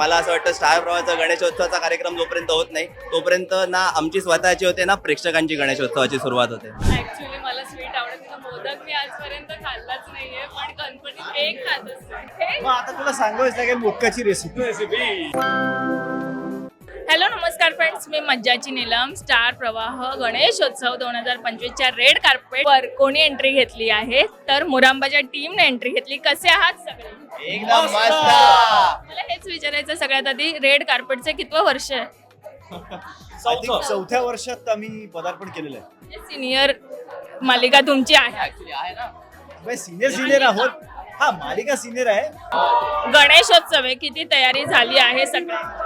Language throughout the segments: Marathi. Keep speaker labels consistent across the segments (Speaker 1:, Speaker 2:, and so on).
Speaker 1: मला असं वाटतं स्टार प्रवाहाचा गणेशोत्सवाचा कार्यक्रम जोपर्यंत होत नाही तोपर्यंत ना आमची स्वतःची होते ना प्रेक्षकांची गणेशोत्सवाची सुरुवात होते.
Speaker 2: ऍक्च्युली मला स्वीट आवडत नाही. मोदक मी आजपर्यंत खाल्लाच नाहीये, पण गणपती केक खात असते.
Speaker 3: मग आता तुला सांगायचं लागेल मोदकाची रेसिपी.
Speaker 2: हॅलो नमस्कार फ्रेंड्स, मी मज्जाची नीलम. स्टार प्रवाह गणेशोत्सव 2025च्या रेड कार्पेटवर कोणी एंट्री घेतली आहे तर मुरांबाच्या टीमने एंट्री घेतली. कसे आहात सगळे?
Speaker 1: एकदम मस्त.
Speaker 2: मला हेच विचारायचं सगळ्यात आधी, रेड कार्पेटचे कितवं वर्ष आहे?
Speaker 3: चौथ्या वर्षात आम्ही पदार्पण केलेलं आहे.
Speaker 2: सिनियर मालिका तुमची आहे.
Speaker 3: सिनियर आहोत. हा, मालिका सिनियर आहे.
Speaker 2: गणेशोत्सव आहे, किती तयारी झाली आहे सगळं?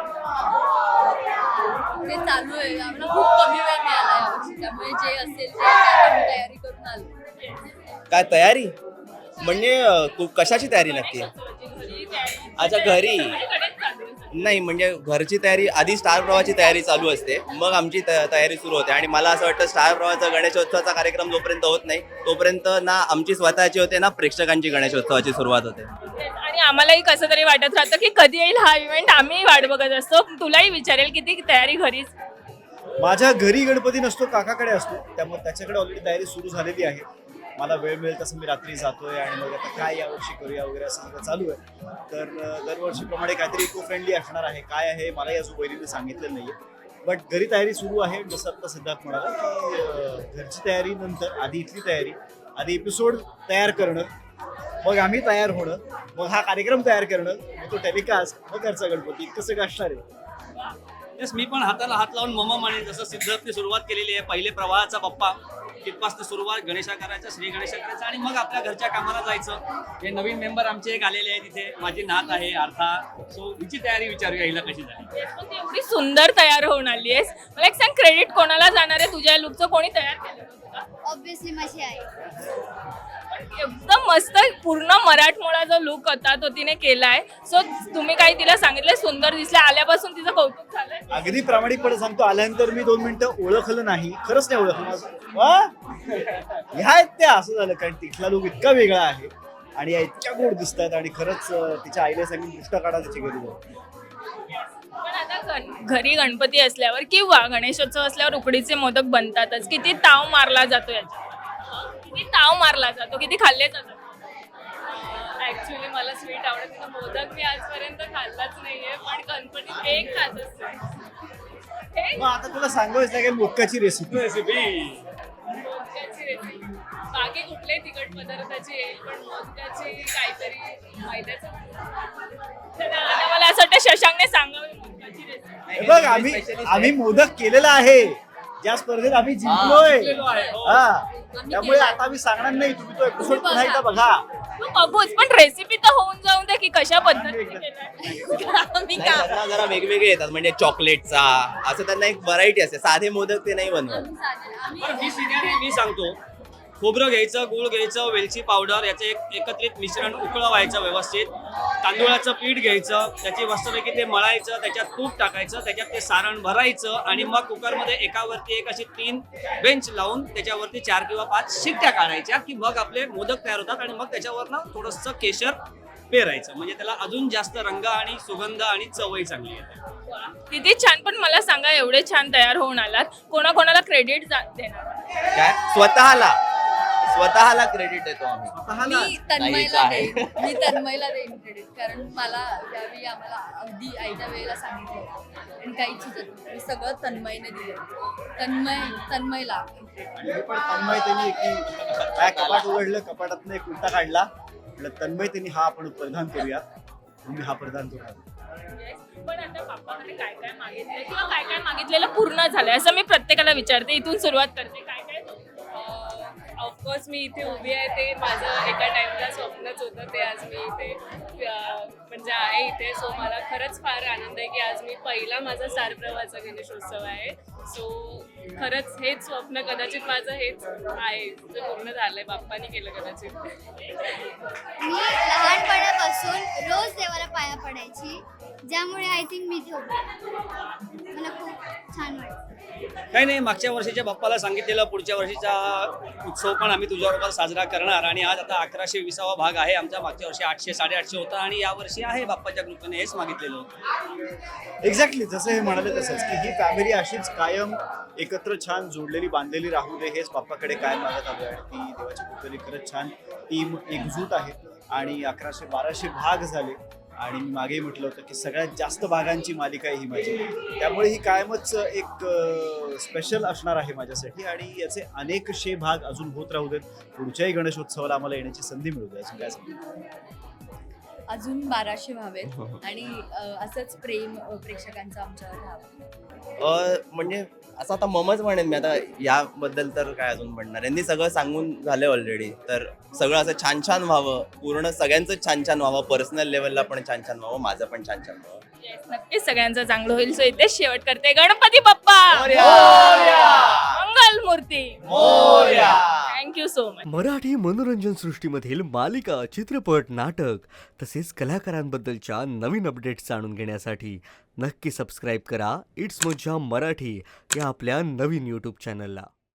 Speaker 4: ते चालू आहे. आम्हाला खूप कमी वेळ मिळाला यावर्षी, त्यामुळे जे असेल ते आम्ही तयारी करून आलो.
Speaker 1: काय तयारी म्हणजे कशाची तयारी नक्की? अच्छा, घरी नाही, म्हणजे घरची तयारी आधी स्टार प्रवाहाची तयारी चालू असते, मग आमची तयारी सुरू होते. आणि मला असं वाटतं स्टार प्रवाहाचा गणेशोत्सवाचा कार्यक्रम जोपर्यंत होत नाही तोपर्यंत ना आमची स्वतःची होते ना प्रेक्षकांची गणेशोत्सवाची सुरुवात होते.
Speaker 2: आणि आम्हालाही कसं तरी वाटत राहतं की कधी येईल हा इव्हेंट. आम्ही वाट बघत असतो. तुलाही विचारेल किती तयारी घरीच?
Speaker 3: माझ्या घरी गणपती नसतो, काकाकडे असतो, त्यामुळे त्याच्याकडे ऑलरेडी तयारी सुरू झालेली आहे. मला वेळ मिळेल तसं मी रात्री जातोय आणि मग आता काय यावर्षी करूया वगैरे असं सगळं चालू आहे. तर दरवर्षीप्रमाणे काहीतरी इको फ्रेंडली असणार आहे. काय आहे मलाही अजून वैरीने सांगितलं नाहीये, बट घरी तयारी सुरू आहे. जसं आता सिद्धार्थ म्हणाला की घरची तयारी नंतर आधी इथली तयारी, आधी एपिसोड तयार करणं, मग आम्ही तयार होणं, मग हा कार्यक्रम तयार करणं, मग तो टेलिकास्ट, मग घरचा गणपती, इतकं सगळं असणार आहे.
Speaker 5: येस, मी पण हाताला हात लावून मम म्हणेन. जसं सिद्धार्थने सुरुवात केलेली आहे, पहिले प्रवाहाचा बाप्पा तिथपासून सुरुवात, गणेशा करायचा, श्री गणेशा करायचा आणि मग आपल्या घरच्या कामाला जायचं. हे नवीन मेंबर आमचे एक आलेले आहे तिथे, माझी नात आहे अर्था. सो हिची तयारी विचारूया हिला कशी झाली.
Speaker 2: पण ती एवढी सुंदर तयार होऊन आली आहेस. मला एक सांग, क्रेडिट कोणाला जाणार आहे तुझ्या लुकचं? कोणी तयार केलं तुला?
Speaker 4: ऑब्विसली माझी आई.
Speaker 2: एकदम मस्त पूर्ण मराठमोळा जो लुक होता तो तिने केलाय. सो तुम्ही काही तिला सांगितलं सुंदर दिसल्या आल्यापासून तिचं कौतुक झालंय?
Speaker 3: अगदी प्रामाणिकपणे सांगतो, आल्यानंतर मी 2 मिनिटं ओळखलं नाही, खरंच नाही ओळखलं. ह्या आहेत त्या, असं झालं. कारण तिथला लोक इतका वेगळा आहे आणि या इतक्या गोड दिसतात आणि खरंच तिच्या आईला सांगितलं दृष्ट काढा त्याची घरी जाऊन.
Speaker 2: पण आता घरी गणपती असल्यावर किंवा गणेशोत्सव असल्यावर उकडीचे मोदक बनतातच. किती ताव मारला जातो याच्यात? किती ताव मारला जातो? किती खाल्ले जातात? ऍक्च्युली मला स्वीट आवडत नाही. मोदक मी आजपर्यंत खाल्लाच नाहीये, पण गणपती केक खात असते.
Speaker 3: मग आता तुला सांगायचं लागेल मोदकाची रेसिपी.
Speaker 2: मोदकाची रेसिपी बाकी कुठल्याही तिखट पदार्थाची येईल, पण मोदकाची काहीतरी मैद्याचं. आता मला असं वाटतं शशांकने सांगावी मोदकाची रेसिपी.
Speaker 3: बघ, आम्ही मोदक केलेला आहे. ज्या स्पर्धेत आम्ही जिंकलोय. हा, त्यामुळे आता आम्ही सांगणार नाही. तुम्ही तो एपिसोड पुन्हा एकदा बघा.
Speaker 2: बघूच, पण रेसिपी तर होऊन जाऊन दे की कशा पद्धतीने केलंय.
Speaker 4: मी
Speaker 1: नाही, त्यांना जरा वेगवेगळे येतात, म्हणजे चॉकलेटचा असं त्यांना एक व्हरायटी असते. साधे मोदक ते नाही बनवत.
Speaker 5: पण मी सिनियर आहे, मी सांगतो. खोबरं घ्यायचं, गूळ घ्यायचं, वेलची पावडर, याचं एक एकत्रित मिश्रण उकळवायचं व्यवस्थित. तांदूळाचं पीठ घ्यायचं, त्याची मस्तपैकी ते मळायचं, त्याच्यात तूप टाकायचं, त्याच्यात ते सारण भरायचं आणि मग कुकरमध्ये एकावरती एक अशी 3 बेंच लावून त्याच्यावरती 4 किंवा 5 शिट्ट्या काढायच्या की मग आपले मोदक तयार होतात. आणि मग त्याच्यावरनं थोडंसं केशर पेरायचं, म्हणजे त्याला अजून जास्त रंग आणि सुगंध आणि चवही चांगली येते.
Speaker 2: किती छान. पण मला सांगा, एवढे छान तयार होऊन आलात, कोणाकोणाला क्रेडिट देणार?
Speaker 1: काय स्वतःला क्रेडिट देतो आम्ही.
Speaker 4: मी तन्मयला देईन. मी तन्मयला देईन क्रेडिट, कारण मला त्यावेळी आम्हाला अगदी आईच्या वेळेला सांगितलं आणि काही सुचत नाही. सगळं तन्मयने दिलं. तन्मयला
Speaker 3: आणि पण तन्मय त्यांनी काय कपाट उघडलं, कपाटातनं एक उलटा काढला. म्हटलं तन्मय त्यांनी हा आपण परिधान करूया, मी हा परिधान करूया.
Speaker 2: पण आता बाप्पाकडे काय काय मागितलंय किंवा काय काय मागितलेलं पूर्ण झालंय असं मी प्रत्येकाला विचारते. इथून सुरुवात करते. काय काय?
Speaker 6: ऑफकोर्स मी इथे उभी आहे ते माझं एका टाइमला स्वप्नच होतं. ते आज मी इथे म्हणजे आहे इथे. सो मला खरंच फार आनंद आहे की आज मी पहिला माझा स्टार प्रवाहाचा गणेशोत्सव आहे. सो खरंच हेच स्वप्न कदाचित माझं हेच आहे जे पूर्ण झालंय. बाप्पानी केलं कदाचित.
Speaker 4: मी लहानपणापासून रोज देवाला पाया पडायची
Speaker 7: ज्यामुळे आय थिंक मी इथे उभी आहे. मला खूप छान वाटतं.
Speaker 5: काही नाही, मागच्या वर्षीच्या बाप्पाला सांगितलेलं पुढच्या वर्षीचा उत्सव पण आम्ही तुझ्याबरोबर साजरा करणार आणि आज आता 1120वा भाग आहे आमचा. मागच्या वर्षी 800 850 होता आणि यावर्षी आहे बाप्पाच्या कृपेने, हेच मागितलेलं होतं.
Speaker 3: एक्झॅक्टली जसं हे म्हणाले तसंच की ही फॅमिली अशीच कायम एकत्र छान जोडलेली बांधलेली राहू दे, हेच बाप्पाकडे कायम मागत आलो आहे. ती देवाच्या कृपेने खरंच छान टीम एकजूट आहे आणि 1100-1200 भाग झाले आणि मी मागेही म्हटलं होतं की सगळ्यात जास्त भागांची मालिका आहे ही माझी. त्यामुळे ही कायमच एक स्पेशल असणार आहे माझ्यासाठी आणि याचे अनेकशे भाग अजून होत राहू देत. पुढच्याही गणेशोत्सवाला आम्हाला येण्याची संधी मिळू दे. अजून काय सांगू?
Speaker 4: अजून 1200 व्हावेत आणि असंच प्रेम प्रेक्षकांचं आमच्यावर राहावं.
Speaker 1: म्हणजे असं आता ममच म्हणेन मी, आता याबद्दल तर काय अजून म्हणणार. यांनी सगळं सांगून झालं ऑलरेडी. तर सगळं असं छान छान व्हावं, पूर्ण सगळ्यांचं छान छान व्हावं, पर्सनल लेवलला पण छान छान व्हावं, माझं पण छान छान व्हावं.
Speaker 2: Yes, नक्कीच सगळ्यांचं चांगलं होईल. सो इथेच शेवट करते. गणपती बाप्पा मंगल मूर्ती. Thank you so much.
Speaker 8: मराठी मनोरंजन सृष्टीमधील मालिका, चित्रपट, नाटक तसेच कलाकारांबद्दलच्या नवीन अपडेट्स जाणून घेण्यासाठी नक्की सबस्क्राईब करा इट्स मज्जा मराठी या आपल्या नवीन यूट्यूब चॅनलला.